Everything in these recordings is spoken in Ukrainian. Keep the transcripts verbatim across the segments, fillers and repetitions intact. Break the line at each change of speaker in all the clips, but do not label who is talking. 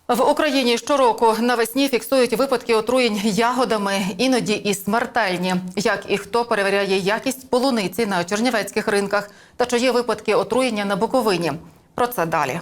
В Україні щороку навесні фіксують випадки отруєнь ягодами, іноді і смертельні. Як і хто перевіряє якість полуниці на чернівецьких ринках та чи є випадки отруєння на Буковині. Про це далі.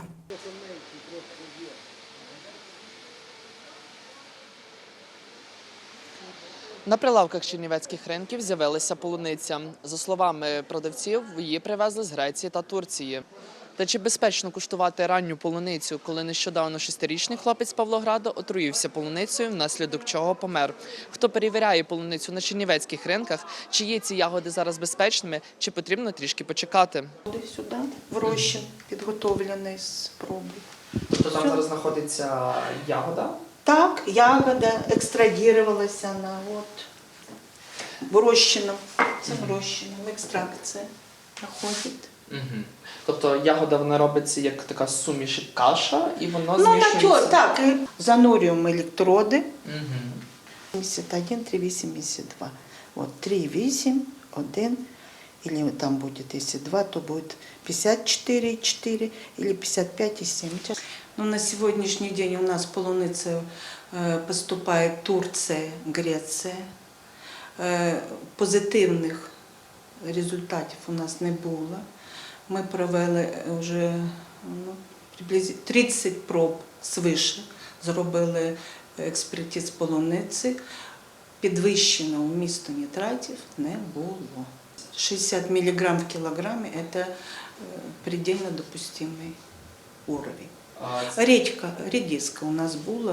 На прилавках чернівецьких ринків з'явилася полуниця. За словами продавців, її привезли з Греції та Турції. Та чи безпечно куштувати ранню полуницю, коли нещодавно шестирічний хлопець з Павлограда отруївся полуницею, внаслідок чого помер? Хто перевіряє полуницю на чернівецьких ринках? Чи є ці ягоди зараз безпечними, чи потрібно трішки почекати?
Сюди, в розчин, підготовлений з проби.
Тобто там зараз знаходиться ягода?
Так, ягода екстрадірувалася на от, в розчином. Це в розчином, екстракція проходить.
Угу. Тобто ягода, вона робиться як така суміш, як каша, і воно
Ну,
змішується?
натюр, так, і занурюємо електроди.
Угу.
сімдесят один, три вісімдесят два. От три вісім, один, или там будет, если два, то будет пятьдесят четыре четыре или пятьдесят пять семь. Но на сегодняшний день у нас полуница э, поступает Турция, Греція. Э, позитивних результатів у нас не було. Ми провели вже ну, приблизно тридцять проб свише, зробили експертиз полуниці. Підвищеного вмісту нітратів не було. шестьдесят миллиграмм в килограмме – это предельно допустимый уровень.
А...
Редька, редиска у нас була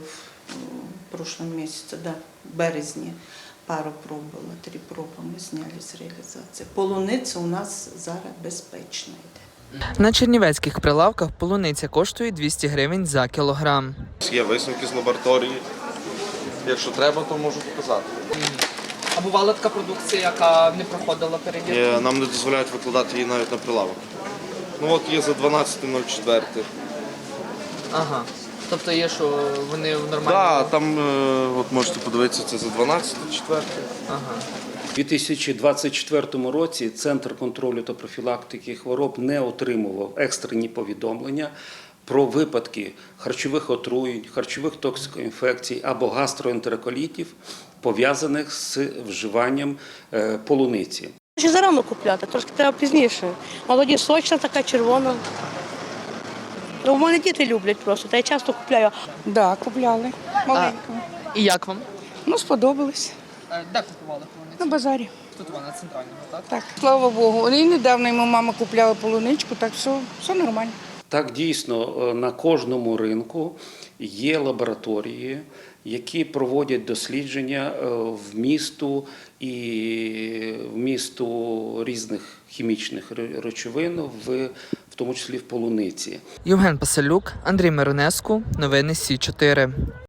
в прошлом місяці, да, в березні. Пару проб було, три проби ми зняли з реалізації. Полуниця у нас зараз безпечна йде.
На чернівецьких прилавках полуниця коштує двісті гривень за кілограм.
Є висновки з лабораторії. Якщо треба, то можу показати.
А бувала така продукція, яка не проходила перевірку?
Є, нам не дозволяють викладати її навіть на прилавок. Ну от є за дванадцяте нуль четверте.
Ага. Тобто є, що вони в нормальному...
Так, да, там, от можете подивитися, це за дванадцяте четверте.
Ага.
У дві тисячі двадцять четвертому році Центр контролю та профілактики хвороб не отримував екстрені повідомлення про випадки харчових отруєнь, харчових токсикоінфекцій або гастроентероколітів, пов'язаних з вживанням полуниці.
Ще зарано купляти, трошки треба пізніше. Молоді, сочна, така червона. Ну, в мене діти люблять просто, та я часто купляю.
Так, да, купляли. Маленьку.
І як вам?
Ну, сподобалось.
Де купували полуницю?
На базарі.
Тут вона центральна, так?
Так, слава Богу. І недавно йому мама купляла полуничку, так все, все нормально.
Так, дійсно, на кожному ринку є лабораторії, які проводять дослідження вмісту і вмісту різних хімічних речовин, в, в тому числі в полуниці.
Євген Пасалюк, Андрій Миронеску, новини Сі чотири.